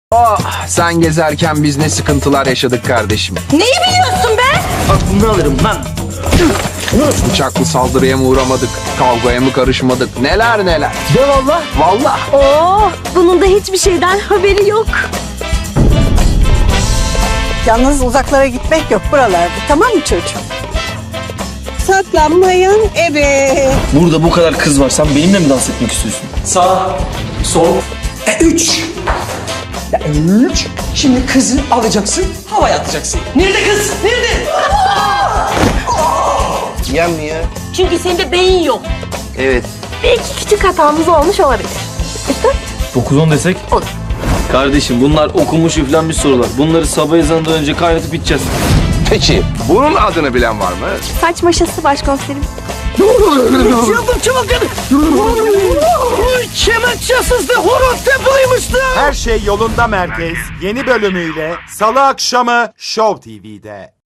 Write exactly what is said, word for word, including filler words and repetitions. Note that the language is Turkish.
Oh, sen gezerken biz ne sıkıntılar yaşadık kardeşim. Neyi biliyorsun be? Aklını alırım lan. Bıçaklı saldırıya mı uğramadık, kavgaya mı karışmadık, neler neler. De valla. Vallahi. Oo, bunun da hiçbir şeyden haberi yok. Yalnız uzaklara gitmek yok buralarda, tamam mı çocuğum? Saklanmayın ebe. Burada bu kadar kız var. Sen benimle mi dans etmek istiyorsun? Sağ, sol, e, üç. Ya, üç. Şimdi kızı alacaksın, havaya atacaksın. Nerede kız? Nerede? Yem mi ya? Çünkü sende beyin yok. Evet. Belki küçük hatamız olmuş olabilir. İşte dokuz on desek? Olur. Kardeşim bunlar okumuş üflenmiş sorular. Bunları sabah ezanından önce kaynatıp içeceğiz. Peki, bunun adını bilen var mı? saç maşası başkomiserim. Çıldım çılgın. Kemençesiz de horon tepeliymişti. Her şey yolunda merkez yeni bölümüyle Salı akşamı Show T V'de.